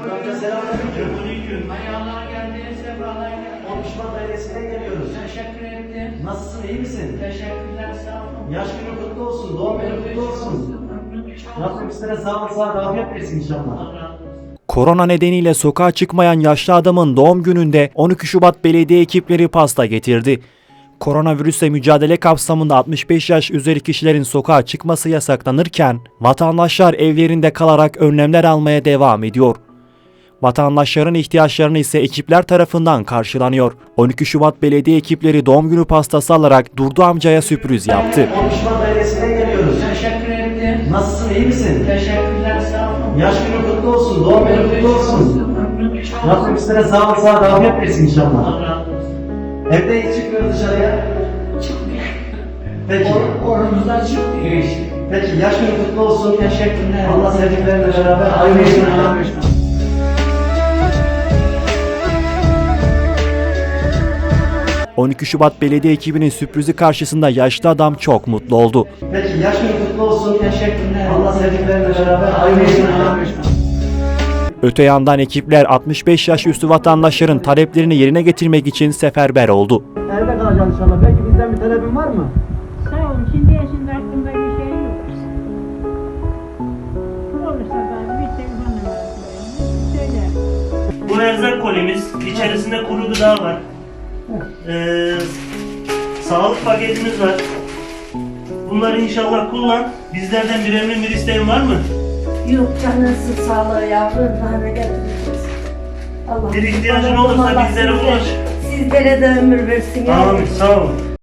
Amca selamünaleyküm. Aleyküm. Ayağlar geldi, sefalar geldi. Konuşma dairesinden geliyoruz. Teşekkür ettim. Nasılsın, iyi misin? Teşekkürler, sağ olun. Yaş günü kutlu olsun, doğum günü kutlu olsun. Rabbim sizlere sağlık, sıhhat, afiyet versin inşallah. Allah razı olsun. Korona nedeniyle sokağa çıkmayan yaşlı adamın doğum gününde 12 Şubat belediye ekipleri pasta getirdi. Koronavirüsle mücadele kapsamında 65 yaş üzeri kişilerin sokağa çıkması yasaklanırken vatandaşlar evlerinde kalarak önlemler almaya devam ediyor. Vatandaşların ihtiyaçlarını ise ekipler tarafından karşılanıyor. 12 Şubat belediye ekipleri doğum günü pastası alarak Durdu amcaya sürpriz yaptı. Konuşma dairesinden geliyoruz. Teşekkür ettim. Nasılsın, iyi misin? Teşekkürler, sağ olun. Yaş günü kutlu olsun, doğum günü kutlu olsun. Rabbim sizlere sağlık, sıhhat, afiyet versin inşallah. Allah razı olsun. Evde hiç çıkmıyoruz dışarıya. Peki. Oramızdan çıkmıyor işte. Peki, yaş günü kutlu olsun. Teşekkürler. Allah sevdiklerinle beraber ayrılsın. 12 Şubat belediye ekibinin sürprizi karşısında yaşlı adam çok mutlu oldu. Peki, yaş günü kutlu olsun. Teşekkürler. Allah sevdiklerinle beraber ayrılsın. Öte yandan ekipler 65 yaş üstü vatandaşların taleplerini yerine getirmek için seferber oldu. Evde kalacaksın inşallah. Peki bizden bir talebin var mı? Sağ olun. Şimdi yaşında aklımda bir şey yok. Olursa da bir telefon numarası verin. Söyle. Bu erzak kolimiz, içerisinde kuru gıda var. Sağlık paketimiz var. Bunları inşallah kullan. Bizlerden bir emrin bir isteğin var mı? Yok canınızın sağlığı yavrum, bana getireceğiz. Allah Bir ihtiyacın olursa bizlere ulaş. Sizlere de ömür versin. Amin, sağ olun.